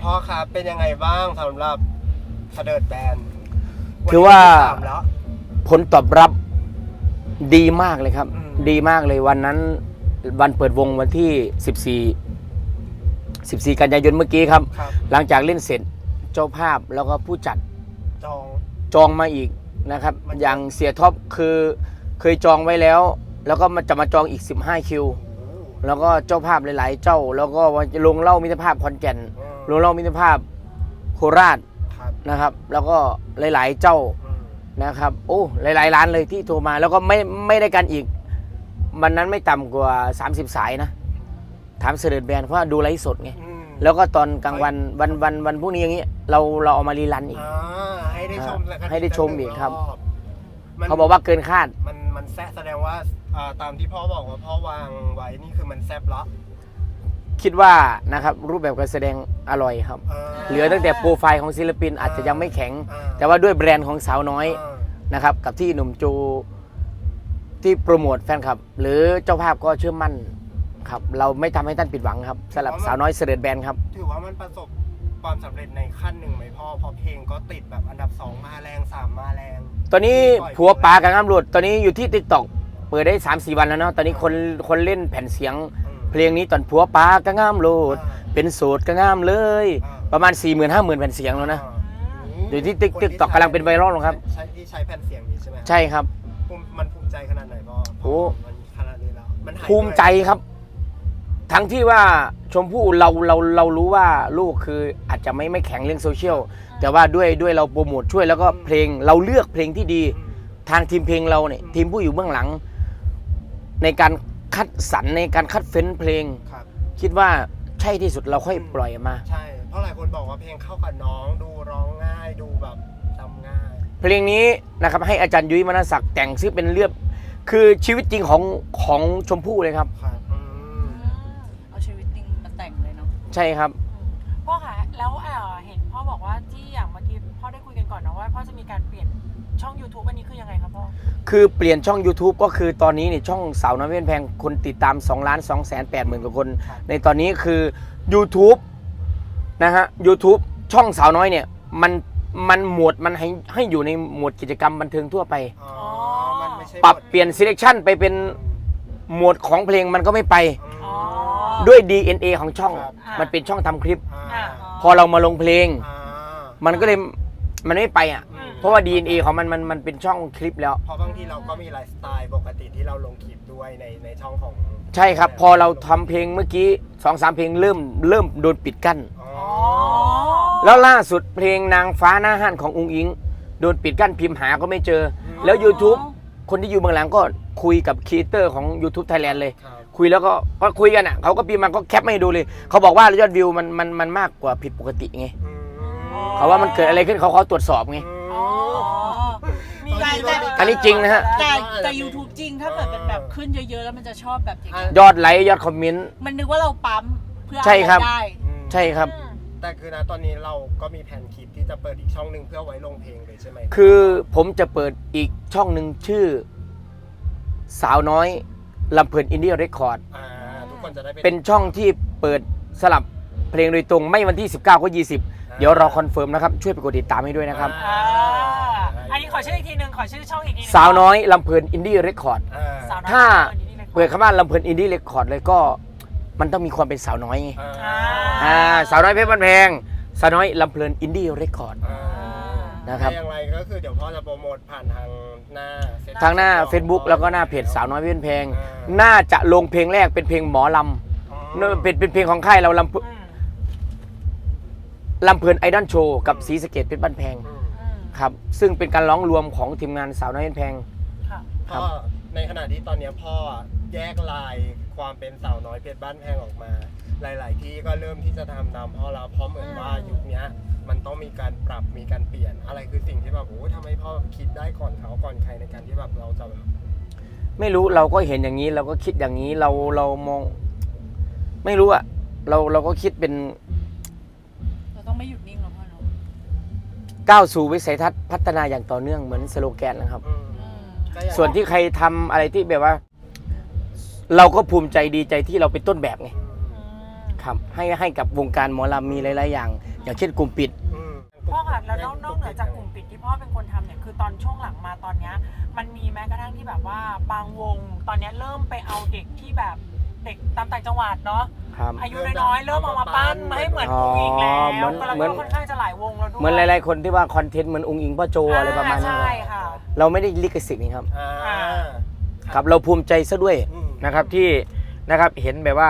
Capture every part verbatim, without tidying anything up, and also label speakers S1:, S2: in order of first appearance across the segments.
S1: พ่อครับเป็นยังไงบ้างสำหรับเสด็จแบน
S2: คือว่าผลตอบรับดีมากเลยครับดีมากเลยวันนั้นวันเปิดวงวันที่สิบสี่ สิบสี่กันยายนเมื่อกี้ครับหลังจากเล่นเสร็จเจ้าภาพแล้วก็ผู้จัด
S1: จอง
S2: จองมาอีกนะครับอย่างเสียท็อปคือเคยจองไว้แล้วแล้วก็มันจะมาจองอีกสิบห้าคิวแล้วก็เจ้าภาพหลายๆเจ้าแล้วก็ลงเล่ามิตรภาพขอนแก่นลงเล่ามิตรภาพโคราชนะครับแล้วก็หลายๆเจ้านะครับโอ้หลายๆร้านเลยที่โทรมาแล้วก็ไม่ไม่ได้กันอีกวันนั้นไม่ต่ำกว่าสามสิบสายนะถามเสด็จแบนเพราะดูไลฟ์สดไงแล้วก็ตอนกลางวันวันวันวันพวกนี้อย่างนี้เราเราเอามารีรันอีก
S1: ให้ได้ชม
S2: ให้ได้ชมอีกครับเขาบอกว่าเกินคาด
S1: มันมันแซ่แสดงว่าตามที่พ่อบอกว่าพ่อวางไว้นี่คือมันแซ่บละ
S2: คิดว่านะครับรูปแบบการแสดงอร่อยครับเหลือตั้งแต่โปรไฟล์ของศิลปินอาจจะยังไม่แข็งแต่ว่าด้วยแบรนด์ของสาวน้อยนะครับกับที่หนุ่มโจที่โปรโมทแฟนคลับหรือเจ้าภาพก็เชื่อมั่นครับเราไม่ทำให้ท่านผิดหวังครับสำหรับสาวน้อยเสด็จแบนครับ
S1: ถือว่ามันประสบความสำเร็จในขั้นหนึ่งไหมพ่อพอเพลงก็ติดแบบอันดับสองมาแรงสามมาแรง
S2: ตอนนี้ผัวปลากับน้ำหลุดตอนนี้อยู่ที่ ติ๊กต็อก เปิดได้ สามสี่ วันแล้วเนาะตอนนี้คนคนเล่นแผ่นเสียงเพลงนี้ตอนผัวปลากับน้ำหลุดเป็นโสดกับน้ำเลยประมาณ สี่หมื่น ห้าหมื่น แผ่นเสียงแล้วนะอยู่ที่ ติ๊กต็อก กำลังเป็นไวรัลครับ
S1: ใช้ที่ใช้แผ่นเสียงนี้ใช่ไหม
S2: ใช่ครับ
S1: มันภูมิใจขนาดไหนพ่อ
S2: โอ้
S1: ขนาดนี้แล้วมัน
S2: ภูมิใจครับทั้งที่ว่าชมพู่เราเราเรารู้ว่าลูกคืออาจจะไม่ไม่แข็งเรื่องโซเชียลแต่ว่าด้วยด้วยเราโปรโมทช่วยแล้วก็เพลงเราเลือกเพลงที่ดีทางทีมเพลงเราเนี่ยทีมผู้อยู่เบื้องหลังในการคัดสรรในการคัดเฟ้นเพลงคิดว่าใช่ที่สุดเราค่อยปล่อยมา
S1: ใช่เพราะหลายคนบอกว่าเพลงเข้ากับน้องดูร้องง่ายดูแบบจำง่าย
S2: เพลงนี้นะครับให้อาจารย์ยุ้ยมนศักดิ์แต่งซึ่งเป็นเรื่องคือชีวิตจริงของของชมพู่เลยครับใช่ครับ
S3: พ่อคะแล้วเห็นพ่อบอกว่าที่อย่างเมื่อกี้พ่อได้คุยกันก่อนนะว่าพ่อจะมีการเปลี่ยนช่อง YouTube อันนี้คือยังไงครับพ่อ
S2: คือเปลี่ยนช่อง YouTube ก็คือตอนนี้เนี่ยช่องสาวน้อยเพชรแพงคนติดตามสองล้านสองแสนแปดหมื่นกว่าคนในตอนนี้คือ YouTube นะฮะ YouTube ช่องสาวน้อยเนี่ยมันมันหมวดมันให้ให้อยู่ในหมวดกิจกรรมบันเทิงทั่วไปปรับเปลี่ยน selection ไปเป็นหมวดของเพลงมันก็ไม่ไปด้วย ดี เอ็น เอ ของช่องมันเป็นช่องทำคลิปพอเรามาลงเพลงมันก็เลยมันไม่ไปอ่ะเพราะว่า ดี เอ็น เอ ของมันมันมันเป็นช่องคลิปแล้ว
S1: เพราะบางทีเราก็มีไลฟ์สไตล์ปกติที่เราลงคลิปด้วยในในช่องของ
S2: ใช่ครับพอเราทำเพลงเมื่อกี้ สองสาม เพลงเริ่มเริ่มโดนปิดกั้นแล้วล่าสุดเพลงนางฟ้าหน้าห้านของอุ้งอิงโดนปิดกั้นพิมพ์หาก็ไม่เจอแล้ว YouTube คนที่อยู่เบื้องหลังก็คุยกับครีเอเตอร์ของ YouTube Thailand เลยคุยแล้วก็ก็คุยกันอ่ะเขาก็พิมพ์มาก็แคปมาให้ดูเลยเขาบอกว่ายอดวิวมันมันมันมากกว่าผิดปกติไงเขาว่ามันเกิดอะไรขึ้นเขาเขาตรวจสอบไงอันนี้จริงนะฮะ
S3: แต่แต่ YouTube จริงถ้าเกิดเป็นแบบขึ้นเยอะๆแล้วมันจะชอบแบบ
S2: ยอดไลค์ยอดคอมเมนต์
S3: มันนึกว่าเราปั๊มเพื่อ
S2: ใช่ครับใช่ครับ
S1: แต่คือนะตอนนี้เราก็มีแผนคลิปที่จะเปิดอีกช่องหนึ่งเพื่อไว้ลงเพลงเลยใช่ไหม
S2: คือผมจะเปิดอีกช่องหนึ่งชื่อสาวน้อยลำเพลินอินดี้เรคคอร์ดเป็นช่องที่เปิดสลับเพลงโดยตรงไม่วันที่สิบเก้าก็ยี่สิบเดี๋ยวเราคอนเฟิร์มนะครับช่วยไปกดติดตามให้ด้วยนะครับ
S3: อันนี้ขอชื่ออีกทีนึงขอชื่อช่องอีกทีนึง
S2: สาวน้อยลำเพลินอินดี้เรคคอร์ดถ้าเปิดคำว่าลำเพลินอินดี้เรคคอร์ดเลยก็มันต้องมีความเป็นสาวน้อยไงสาวน้อยเพชรบ้านแพงสาวน้อยลำเพลินอินดี้เรคคอร์ดนะครับ
S1: อย่างไรก็คือเดี๋ยวพ่อจะโปรโมทผ่านทางหน้า
S2: ทางหน้า Facebook แล้วก็หน้าเพจสาวน้อยเพชรแพงน่าจะลงเพลงแรกเป็นเพลงหมอลำเป็นเป็นเพลงของค่ายเราลำลำเพลินไอดอลโชว์กับศรีสะเกษเพชรบ้านแพงครับซึ่งเป็นการร้องรวมของทีมงานสาวน้อยเพชรแพง
S1: พ่อในขณะที่ตอนนี้พ่อแยกลายความเป็นสาวน้อยเพชรบ้านแพงออกมาหลายๆที่ก็เริ่มที่จะทำตามพ่อแล้วเพราะเหมือนว่ายุคนี้มันต้องมีการปรับมีการเปลี่ยนอะไรคือสิ่งที่แบบโอ้ทำไมพ่อคิดได้ก่อนเขาก่อนใครในการที่แบบเราจะแบบ
S2: ไม่รู้เราก็เห็นอย่างนี้เราก็คิดอย่างนี้เราเรามองไม่รู้อะเราเราก็คิดเป็น
S3: เราต้องไม่หยุดนิ่งหรอกพ่อเนาะ
S2: ก้าวสู่วิสัยทัศน์พัฒนาอย่างต่อเนื่องเหมือนสโลแกนนะครับส่วนที่ใครทำอะไรที่แบบว่าเราก็ภูมิใจดีใจที่เราเป็นต้นแบบไงครับให้ให้กับวงการหมอลำมีหลายๆอย่างอย่างเช่นกลุ่มปิด
S1: อืม
S3: พ่อค่ะแล้วนอกนอกเหนือจากกลุ่มปิดที่พ่อเป็นคนทำเนี่ยคือตอนช่วงหลังมาตอนเนี้ยมันมีแม้กระทั่งที่แบบว่าบางวงตอนเนี้ยเริ่มไปเอาเด็กที่แบบเด็กตามต่างจังหวัดเนาะ
S2: ครับ
S3: อายุน้อยๆเริ่มเอามาปั้นมาให้เหมือนอุ้งอิงแล้
S2: อ๋อ
S3: ว
S2: เหมือน
S3: แล้ว
S2: เหมื
S3: ก็
S2: อน
S3: ค่อนข้างจะหลายวงแล้วด้วย
S2: เหมือนหลายๆคนที่ว่าคอนเทนต์เหมือนองค์อิงพ่อโจอะไรประมาณนี้
S3: ใช่ค่ะ
S2: เราไม่ได้ลิขสิทธิ์นี่ครับ
S1: อ่า
S2: ครับเราภูมิใจซะด้วย
S1: อืม
S2: นะครับที่นะครับเห็นแบบว่า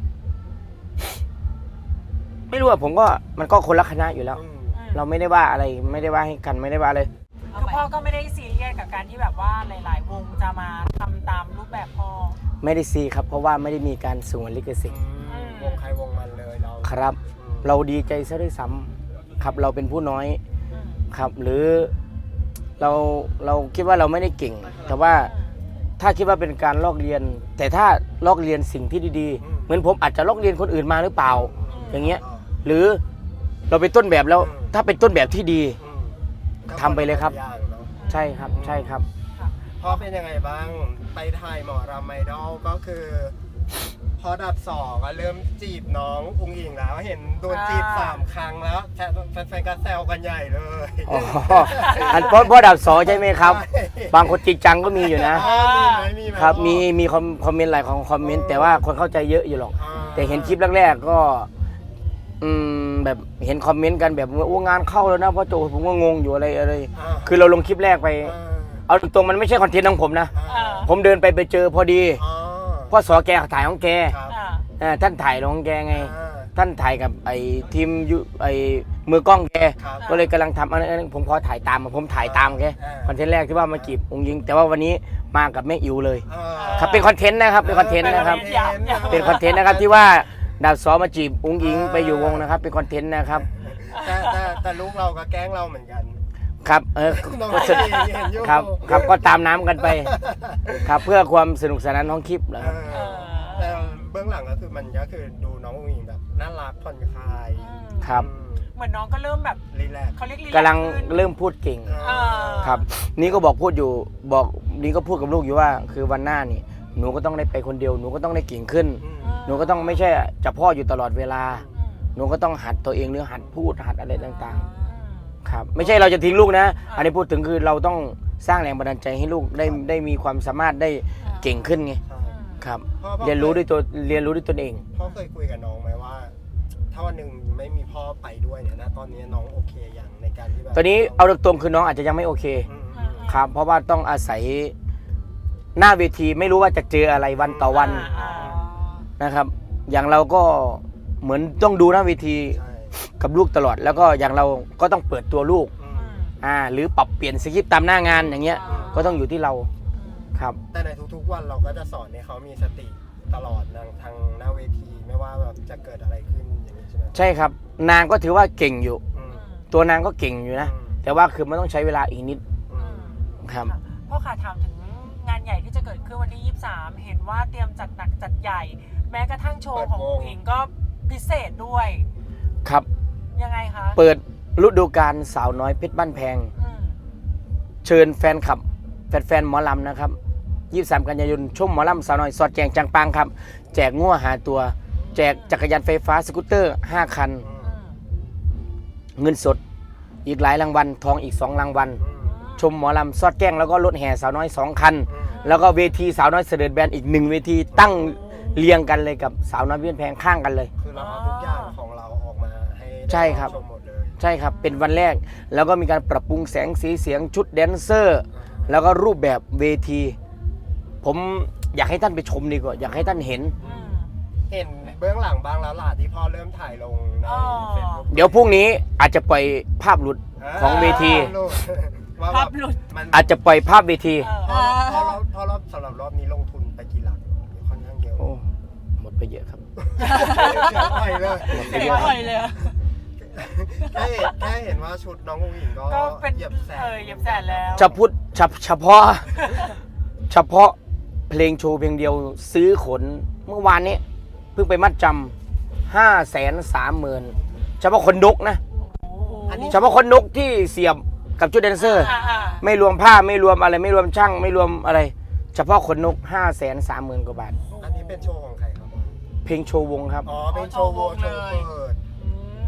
S2: ไม่รู้อะผมก็มันก็คนละคณะอยู่แล้ว
S1: อืม
S3: อืม
S2: เราไม่ได้ว่าอะไรไม่ได้ว่าให้กันไม่ได้ว่าเลย
S3: คือพ่อก็ไม่ได้ซีเรียสกับการที่แบบว่าหลาย ๆ วงจะมาทำตามรูปแบบพ่อ
S2: ไม่ได้ซีครับเพราะว่าไม่ได้มีการสงวนลิขสิทธิ์
S1: อืมวงใครวงมันเลยเรา
S2: ครับ
S1: อืม
S2: เราดีใจซะด้วยซ้ำครับเราเป็นผู้น้อย
S3: อืม
S2: ครับ หรือเราเราคิดว่าเราไม่ได้เก่ง แต่ว่าถ้าคิดว่าเป็นการลอกเรียน แต่ถ้าลอกเรียนสิ่งที่ดีๆ เหมือนผมอาจจะลอกเรียนคนอื่นมาหรือเปล่า อย่างเงี้ย หรือเราเป็นต้นแบบแล้ว ถ้าเป็นต้นแบบที่ดี
S1: อืม
S2: ทำไปเลยครับ
S1: ก็นละอย่างเนอะ
S2: ใช่ครับ ใช่ครับ
S1: พ่อเป็นยังไงบ้างไปถ่ายหมอรำไอดอลก็คือ พอดับสองก็เริ่มจีบน้องอุ้งอิงแล้วเห็นโดนจีบสามครั้งแล้วแฟนๆก็แซวกันใหญ่เลย
S2: อ๋อ อันเพราะเพราะดับสองใช่ไหมครับ บางคนจริงจังก็มีอยู่นะ
S1: อ่ามีไหมมีไหม
S2: ครับ
S1: พ่อ
S2: มีมีคอมคอมเมนต์หลายของคอมเมนต์แต่ว่าคนเข้าใจเยอะอยู่หรอก
S1: อ่า
S2: แต่เห็นคลิปแรกๆก็ อืมแบบเห็นคอมเมนต์กันแบบว่าโอ้งานเข้าแล้วนะพ่อโจผมก็งงอยู่อะไรอะไร
S1: อ่า
S2: คือเราลงคลิปแรกไป
S1: อ่า
S2: เอาตรงๆมันไม่ใช่คอนเทนต์ของผมนะ
S1: อ่า
S2: ผมเดินไปไปเจอพอดี
S1: อ๋อ
S2: พ่อสอแกถ่ายของแก
S1: ครับ
S3: อ่า
S2: อ่าท่านถ่ายของแกไง
S1: อ่า
S2: ท่านถ่ายกับไอ้ทีมยุไอ้มือกล้องแก
S1: ครับ
S2: ก็เลยกำลังทำอันนั้นผมขอถ่ายตามผมถ่ายตามแก
S1: อ่า
S2: คอนเทนต์แรกที่ว่ามาจีบองค์ยิง แต่ว่าวันนี้มากับแม่อิ๋วเลย
S1: อ่า
S2: ครับเป็นคอนเทนต์นะครับเป็นคอนเทนต์นะครับ เป็นคอนเทนต์นะครับที่ว่าดาวซอมาจีบองค์อิงไปอยู่วงนะครับ เป็นคอนเทนต์นะครับ
S1: แต่แต่แต่ลูกเราก็แกล้งเราเหมือนกัน
S2: ครับเออ
S1: น้อง
S2: ก็
S1: เอ
S2: สนุก
S1: งเห็นอยู่
S2: ครับครับก็ตามน้ำกันไป ครับเพื่อความสนุกสนานของคลิปนะ
S1: เอ
S2: ครับ
S1: อแต่เบื้องหลังก็คือมันก็คือดูน้องอุ้งอิงแบบน่ารักผ่อนคลาย
S2: ครับ
S3: เหมือนน้องก็เริ่มแบบ
S1: รีแลกซ์
S3: เขาเรียกรี
S2: กำลัง
S3: ขึ้น
S2: เริ่มพูดเก่ง
S3: เออ
S2: ครับ นี่ก็บอกพูดอยู่บอกนี่ก็พูดกับลูกอยู่ว่า คือวันหน้านี่หนูก็ต้องได้ไปคนเดียวหนูก็ต้องได้เก่งขึ้น
S1: อืม
S2: หนูก็ต้องไม่ใช่จะพ่ออยู่ตลอดเวลา
S3: อืม
S2: หนูก็ต้องหัดตัวเองหรือหัดพูดหัดอะไรต่าง
S3: อืม
S2: ๆ ครับ ไม่ใช่เราจะทิ้งลูกนะ อันนี้พูดถึงคือเราต้องสร้างแรงบันดาลใจให้ลูกได้ได้มีความสามารถได้เก่งขึ้นไง
S1: ใช่
S2: ครับ
S1: พ่อพ่อ
S2: เรียนรู้ด้วยตัวเรียนรู้ด้วยตนเอง
S1: พ่อเคยคุยกับน้องไหมว่า ถ้าวันหนึ่งไม่มีพ่อไปด้วยเนี่ยนะตอนนี้น้องโอเคอย่างในการที่แบบ
S2: ตอนนี้เอาตรงๆคือน้องอาจจะยังไม่โอเค
S1: อืมอืม
S2: ครับ เพราะว่าต้องอาศัยหน้าเวทีไม่รู้ว่าจะเจออะไรวันต่อวัน
S3: อ่า
S2: นะครับ อย่างเราก็เหมือนต้องดูหน้าเวที
S1: ใช่
S2: กับลูกตลอด แล้วก็อย่างเราก็ต้องเปิดตัวลูก
S1: อื
S3: อื
S1: ม
S3: ม
S2: อ่าหรือปรับเปลี่ยนสคริปต์ตามหน้างานอย่างเงี้ย
S3: อ่า
S2: ก็ต้องอยู่ที่เราครับ
S1: แต่ในทุกๆวันเราก็จะสอนให้เขามีสติตลอดทางทางหน้าเวทีไม่ว่าแบบจะเกิดอะไรขึ้นอย่างนี้ใช่ไหม
S2: ใช่ครับ นางก็ถือว่าเก่งอยู่
S1: อืม
S2: ตัวนางก็เก่งอยู่นะ
S1: อืม
S2: แต่ว่าคือมันต้องใช้เวลาอีกนิด
S1: อืม
S2: ครับ
S3: ะพ่อขาถามถึงงานใหญ่ที่จะเกิดขึ้นวันที่ ยี่สิบสาม เห็นว่าเตรียมจัดหนักจัดใหญ่ แม้กระทั่งโชว์ของผู้หญิงก็พิเศษด้วย
S2: ครับ
S3: ยังไงคะ
S2: เปิดฤดูกาลสาวน้อยเพชรบ้านแพง
S3: อืม
S2: เชิญแฟนคลับ แฟนๆหมอลำนะครับ ยี่สิบสาม กันยายนชมหมอลำสาวน้อยสอดแจงจังปังครับ แจกงัวหาตัว แจกจักรยานไฟฟ้าสกูตเตอร์ ห้า คัน
S1: อืม
S3: อืม
S2: เงินสดอีกหลายรางวัล ทองอีก สอง รางวัล
S1: อืม
S2: ชมหมอลำสอดแจ้งแล้วก็รถแห่สาวน้อย สอง คัน
S1: อืม
S2: แล้วก็เวทีสาวน้อยเสด็จแบนอีกหนึ่งเวทีตั้งเรียงกันเลยกับสาวน้อยเวียนแพงข้างกันเลย
S1: คือเราเอาทุกอย่างของเราออกมาให้ได้
S2: ใช่ครับ
S1: ชมหมดเลย
S2: ใช่ครับ เป็นวันแรก แล้วก็มีการปรับปรุงแสงสีเสียงชุดแดนเซอร์ แล้วก็รูปแบบเวที ผมอยากให้ท่านไปชมดีกว่า อยากให้ท่านเห็น
S3: อืม
S1: เห็นเบื้องหลังบ้างแล้วล่ะที่พ่อเริ่มถ่ายลงใน
S3: อ๋อ
S1: เฟซบุ๊ก
S2: เดี๋ยวพรุ่งนี้อาจจะปล่อยภาพหลุดของเวที
S1: ลูกว่า
S3: ภา
S1: แบ
S3: พ
S1: บ
S3: หลุด
S1: มัน
S2: อาจจะปล่อยภาพเวที
S3: เออ
S1: พอพอรอบพอรอบสำหรับรอบนี้ลงทุนไปกี่หลักค่อนข้างเยอะ
S2: โอ้หมดไปเยอะครับ
S1: เสียไปเลย
S2: หมดไป
S3: เสี
S2: เย
S3: ย
S2: อะ
S3: ไปเลยอะ
S1: แค่เห็นแค่เห็นว่าชุดน้องอุ้งอิงก็
S3: ก็เป็น
S1: เหยียบแสน
S3: เออเหยียบแสนแล้ว
S2: จะพูดเฉเฉพาะ เฉพาะเพลงโชว์เพลงเดียวซื้อขนเมื่อวานนี้เพิ่งไปมัดจำห้าแสนสามหมื่นเฉพาะคนนกนะ
S3: โอ้โห
S2: เฉพาะคนนกที่เสียบกับชุดแดนเซอร์
S3: อ่าอ่า
S2: ไม่รวมผ้าไม่รวมอะไรไม่รวมช่างไม่รวมอะไร เฉพาะขนนกห้าแสนสามหมื่นกว่าบาท
S1: อันนี้เป็นโชว์ของใครครับ
S2: เพลงโชว์วงครับ
S1: อ๋อเป็นโชว์โวโชว์เปิด
S3: อืม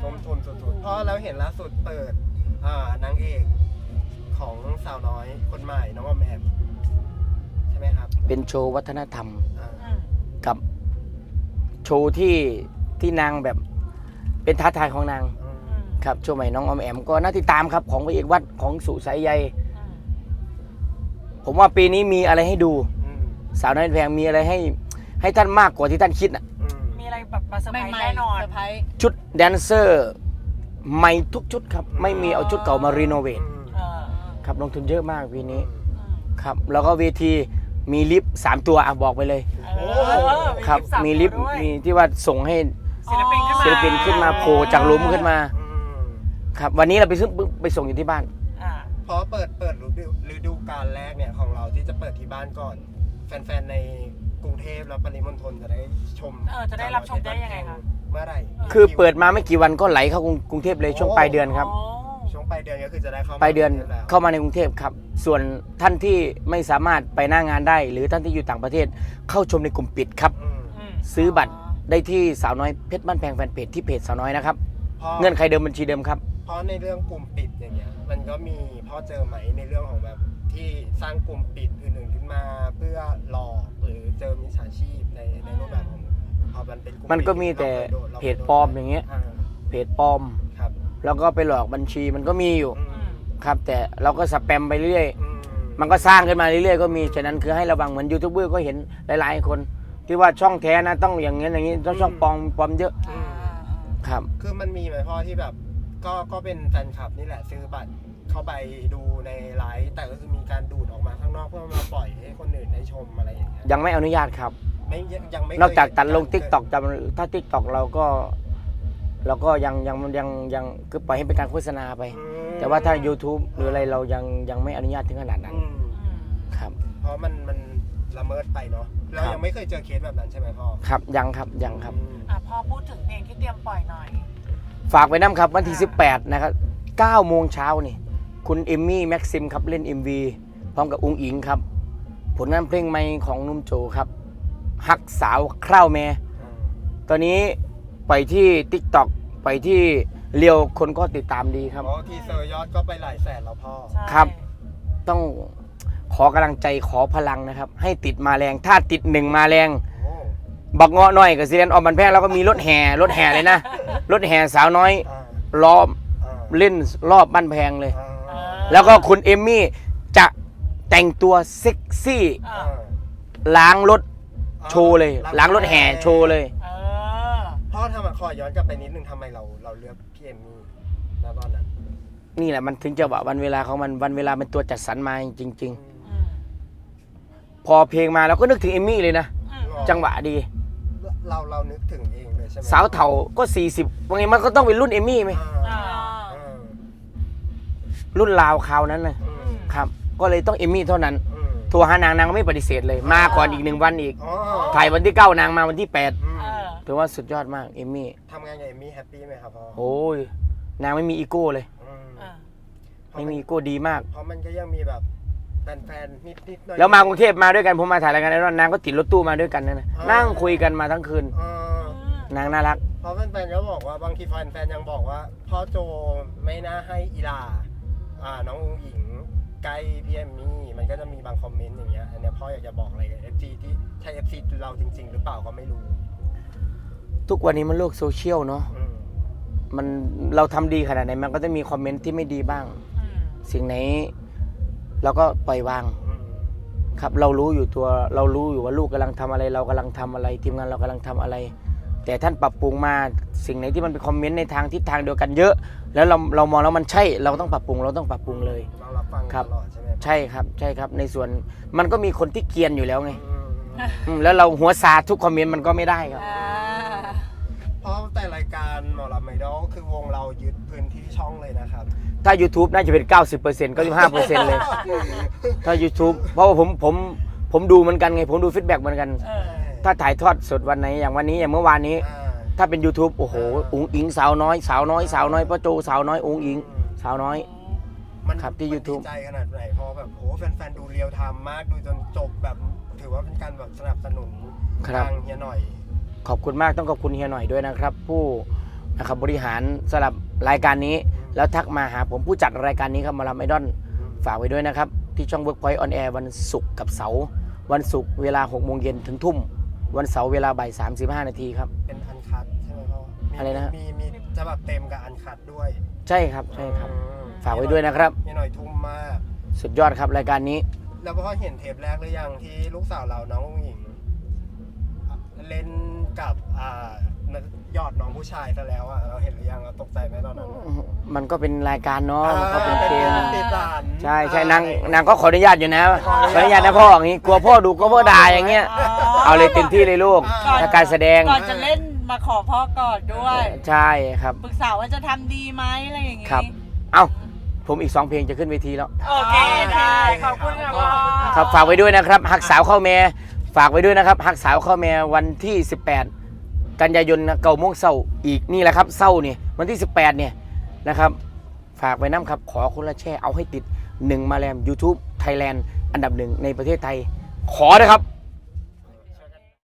S1: ทุ่มทุนสุดๆเพราะเราเห็นล่าสุดเปิดอ่านางเอกของสาวน้อยคนใหม่น้องออมแอมใช่ไหมครับ
S2: เป็นโชว์วัฒนธรรม
S1: อ่า
S3: อืม
S2: กับโชว์ที่ที่นางแบบเป็นท้าทายของนาง
S1: อืม
S3: อืม
S2: ครับโชว์ใหม่น้องออมแอมก็น่าติดตามครับของพระเอกวัดของสุสายใย
S3: อืม
S2: ผมว่าปีนี้มีอะไรให้ดู
S1: อืม
S2: สาวน้อยแพงมีอะไรให้ให้ท่านมากกว่าที่ท่านคิดน่ะ
S1: อืม
S3: มีอะไรแบบมาเซอร์ไพรส์
S4: ใหม่
S3: แน่นอน
S4: เซอร์ไพรส์
S2: ชุดแดนเซอร์ใหม่ทุกชุดครับ ไม่มีเอาชุดเก่ามารีโนเวท
S1: อืม
S3: เออ
S2: ครับลงทุนเยอะมากปีนี้
S3: อืม
S2: ครับแล้วก็เวทีมีลิฟต์สามตัวอ่ะบอกไปเลย
S3: เออ
S2: ครับ
S3: สา
S2: มีลิฟต์
S3: ตัวด้วย
S2: มีที่ว่าส่งให้
S3: ศิลปินขึ้นมา
S2: ศิลปินขึ้นมาโผล่จากหลุมขึ้นมา
S1: อืม
S2: ครับวันนี้เราไปซึ่งไปส่งอยู่ที่บ้าน
S3: อ่า
S1: เพราะเปิดเปิดฤดูฤดูกาลแรกเนี่ยของเราที่จะเปิดที่บ้านก่อน แฟนๆในกรุงเทพและปริมณฑลจะได้ชม
S3: เออจะได้รับชมได้ยังไงคะ
S1: เมื่อไหร่
S2: คือเปิดมาไม่กี่วันก็ไหลเข้ากรุงกรุงเทพเลยช่วงปลายเดือนครับ
S3: อ๋อ
S1: ช่วงปลายเดือนก็คือจะได้เข้ามา
S2: ปลายเดือน
S1: แล้ว
S2: เข้ามาในกรุงเทพครับ ส่วนท่านที่ไม่สามารถไปหน้างานได้ หรือท่านที่อยู่ต่างประเทศเข้าชมในกลุ่มปิดครับ
S1: อืม
S3: อืม
S2: ซื้อบัตรได้ที่สาวน้อยเพชรบ้านแพงแฟนเพจที่เพจสาวน้อยนะครับ
S1: เพราะ
S2: เงื่อนไขเดิมบัญชีเดิมครับ
S1: เพราะในเรื่องกลุ่มปิดอย่างเงี้ยมันก็มีพ่อเจอไหมในเรื่องของแบบที่สร้างกลุ่มปิดอื่นๆขึ้นมาเพื่อหลอกหรือเจอมิจฉาชีพในในรูปแบบของพอมันเป็นกลุ่ม
S2: มันก็มี
S1: ปิด
S2: แต่
S1: ราคยโดนราค
S2: เพ
S1: ย
S2: จ
S1: โดน
S2: ปลอมอย่างเงี้ย
S1: อ่า
S2: เพจปลอม
S1: ครับ
S2: แล้วก็ไปหลอกบัญชีมันก็มีอยู่
S1: อื
S3: อื
S1: ม
S3: ม
S2: ครับ แต่เราก็สแปมไปเรื่อย
S1: อืม
S2: มันก็สร้างขึ้นมาเรื่อยๆก็มีฉะนั้นคือให้ระวังเหมือนยูทูบเบอร์ก็เห็นหลายๆคน ที่ว่าช่องแท้นะต้องอย่างเงี้ยอย่างงี้ต้องช่องปลอมปลอมเยอะ
S1: อื
S3: อ่าม อ่าอ่า
S2: ครับ
S1: คือมันมีไหมพ่อที่แบบก็ก็เป็นแฟนคลับนี่แหละซื้อบัตรเข้าไปดูในไลฟ์แต่ก็คือมีการดูดออกมาข้างนอกเพื่อมาปล่อยให้คนอื่นได้ชมอะไรอย่างเงี้ย
S2: ยังไม่อนุญาตครับ
S1: ไม่ยังไม่เคย
S2: นอกจากตัดลง
S1: เห็
S2: ทิกตอกจำถ้าทิกตอกเราก็เราก็ยังยังยังยังคือปล่อยให้เป็นการโฆษณาไป
S1: อืม
S2: แต่ว่าถ้า YouTube หรืออะไรเรายังยังไม่อนุญาตถึงขนาดนั้น
S1: อืม
S3: อืม
S2: ครับ
S1: เพราะมันมันละเมิดไปเนาะเรา
S2: ครับ
S1: ยังไม่เคยเจอเคสแบบนั้นใช่ไหมพ่อ
S2: ครับยังครับยังครับ
S1: อืม
S3: อ่ะพอพูดถึงเพลงที่เตรียมปล่อยหน่อย
S2: ฝากไว้น้ำครับวันที่สิบแปดนะครับเก้าโมงเช้านี่คุณเอมมี่แม็กซิมครับเล่น เอ็ม วี พร้อมกับอุงอิงครับ ผลงานเพลงใหม่ของนุ่มโจครับฮักสาวคร่าวแม่
S1: อืม
S2: ตอนนี้ไปที่ TikTok ไปที่เรียวคนก็ติดตามดีครับ
S1: เพราะทีเซอร์ยอดก็ไปหลายแสนแล้วพ่อ
S3: ใช่
S2: ครับ ต้องขอกำลังใจขอพลังนะครับ ให้ติดมาแรง ถ้าติดหนึ่งมาแรง
S1: โอ้
S2: บักเงาะหน่อยกับซีเรนออมบันแพงแล้วก็มีรถแห่รถแห่เลยนะ รถแห่สาวน้อย
S1: อ่า
S2: ล้อม
S1: อ่า
S2: เล่นรอบบ้านแพงเลย
S1: อ่า
S3: อ่า
S2: แล้วก็คุณเอมมี่จะแต่งตัวเซ็กซี่
S3: อ่า
S1: อ่า
S2: ล้างรถโชว์เลย ล้างรถแห่โชว์เลย
S3: เออ
S1: พ่อทำไมขอย้อนกลับไปนิดนึงทำไมเราเราเลือกพี่เอมมี่ณตอนนั้น
S2: นี่แหละมันถึงจะว่าวันเวลาของมันวันเวลาเป็นตัวจัดสรรมาจริง
S1: อืม
S3: อืม
S2: ๆ พอเพลงมาเราก็นึกถึงเอมมี่เลยนะ
S3: อืม
S2: จังหวะดี
S1: เราเรานึกถึงเองเลยใช่ไหม
S2: สาวเถ่าก็สี่สิบว่าไงมันก็ต้องเป็นรุ่นเอมมี่ไหม
S1: อ่า
S3: อ่า
S1: อ่า
S2: รุ่นราวคราวนั้นนะ
S1: อืม
S2: ครับ ก็เลยต้องเอมมี่เท่านั้น
S1: อืม
S2: โทรหานางนางก็ไม่ปฏิเสธเลย มาก่อนอีกหนึ่งวันอีก
S1: อ๋อ
S2: ถ่ายวันที่เก้านางมาวันที่แปด
S1: อืม
S3: เออ
S2: ถือว่าสุดยอดมากเอมมี่
S1: ทำงานกับเอมมี่แฮปปี้ไหมครับพ่อ
S2: โอ้ยนางไม่มีอีโก้เลย
S1: อืม
S3: อ่า
S2: ไม่มีอีโก้ดีมาก
S1: เพราะมันก็ยังมีแบบแฟนๆนิดๆหน่อยๆ
S2: แล้วมากรุงเทพมาด้วยกันผมมาถ่ายรายการไอรอนนางก็ติดรถตู้มาด้วยกันนะนะ
S1: อ่านั่
S2: นั่งคุยกันมาทั้งคืน
S1: อ่า
S2: นางน่ารัก
S1: เพราะแฟนๆก็บอกว่าบางทีแฟนๆยังบอกว่าพ่อโจไม่น่าให้อีลาอ่าน้องอุ๋งอิงใกล้พี่เอมมี่มันก็จะมีบางคอมเมนต์อย่างเงี้ยอันเนี้ยพ่ออยากจะบอกอะไรกับ เอฟ ซี ที่ใช่ เอฟ ซี เราจริง ๆ หรือเปล่าก็ไม่รู้
S2: ทุกวันนี้มันโลกโซเชียลเนาะ
S1: อืม
S2: มันเราทำดีขนาดไหนมันก็จะมีคอมเมนต์ที่ไม่ดีบ้าง
S3: อืม
S2: สิ่งไหนเราก็ปล่อยวาง
S1: อืม
S2: ครับ เรารู้อยู่ตัวเรารู้อยู่ว่าลูกกำลังทำอะไร เรากำลังทำอะไรทีมงานเรากำลังทำอะไร แต่ท่านปรับปรุงมาสิ่งไหนที่มันเป็นคอมเมนต์ในทางทิศทางเดียวกันเยอะ แล้วเราเรามองแล้วมันใช่ เราต้องปรับปรุงเราต้องปรับปรุงเลย
S1: เรารับฟัง
S2: ครับ
S1: ตลอดใช่ไหม
S2: ใช่ครับใช่ครับ ในส่วนมันก็มีคนที่เกรียนอยู่แล้วไง
S1: อืม
S2: อืมแล้วเราหัวซาทุกคอมเมนต์มันก็ไม่ได้ครับ
S4: อ่า
S1: เพราะแต่รายการหมอลำไอดอลคือวงเรายึดพื้นที่ช่องเลยนะครับ
S2: ถ้า YouTube น่าจะเป็น เก้าสิบเปอร์เซ็นต์ เก้าสิบห้าเปอร์เซ็นต์ เลย ถ้า YouTube เพราะว่าผมผมผมดูเหมือนกันไง ผมดูฟีดแบ็กเหมือนกัน
S3: เออ
S2: ถ้าถ่ายทอดสดวันไหนอย่างวันนี้อย่างเมื่อวานนี้
S1: อ่า
S2: ถ้าเป็น YouTube โอ้โหอุ๋งอิงสาวน้อยสาวน้อยสาวน้อยพ่อโจสาวน้อยอุ๋งอิงสาวน้อย
S1: มัน
S2: ครับที่
S1: มัน
S2: YouTube
S1: ดีใจขนาดไหนเพราะแบบโอ้แฟนๆดูเรียวไทม์มากดูจนจบแบบถือว่าเป็นการแบบสนับสนุน
S2: ครับ
S1: ทางเฮียหน่อย
S2: ขอบคุณมากต้องขอบคุณเฮียหน่อยด้วยนะครับ ผู้นะครับบริหารสำหรับรายการนี้ แล้วทักมาหาผมผู้จัดรายการนี้ครับหมาลำไอดอลฝากไว้ด้วยนะครับที่ช่อง Workpoint on Air วันศุกร์กับเสาร์วันศุกร์เวลาหกโมงเย็นถึงทุ่มวันเสาร์เวลาบ่ายสามสิบห้านาทีครับ
S1: เป็นอันคัดใช่ไหมพ่อมี
S2: อะไรนะฮะ
S1: มีมีฉบับเต็มกับอันคัดด้วย
S2: ใช่ครับใช่ครับ
S1: อืม
S2: ฝากไว้ด้วยนะครับ
S1: มีหน่อยทุ่มมาก
S2: สุดยอดครับรายการนี้
S1: แล้วพ่อเห็นเทปแรกหรือยังที่ลูกสาวเราน้ององหญิงเล่นกับอ่ายอดน้องผู้ชายซะแล้วอ่ะเราเห็นหรือยังเราตกใจไหมตอนนั้น
S2: มันก็เป็นรายการเนาะมันก็เป็นเกม
S1: ติดสาร
S2: ใช่ใช่นางนางก็ขออนุญาตอยู่นะขออนุญาตนะพ่ออย่างนี้กลัวพ่อดูก็พ่อด่าอย่างเงี้ยเอาเลยเต็มที่เลยลูกถ้าการแสดง
S4: ก่อนจะเล่นมาขอพ่อกอดด้วย
S2: ใช่ครับ
S4: ปรึกษาว่าจะทำดีไหมอะไรอย่างงี้
S2: ครับ เอ้าผมอีกสองเพลงจะขึ้นเวทีแล้ว
S3: โอเคได้ขอบคุณค่ะพ่อ
S2: ครับฝากไว้ด้วยนะครับหักสาวเข้าแม่ฝากไว้ด้วยนะครับหักสาวเข้าแม่วันที่สิบแปดกันยายนนะเก้าโมงเช้าอีกนี่แหละครับเช้านี่วันที่สิบแปดเนี่ยนะครับฝากไว้น้ำครับขอคนละแช่เอาให้ติดหนึ่งมาแรม YouTube Thailand อันดับหนึ่งในประเทศไทยขอนะครับ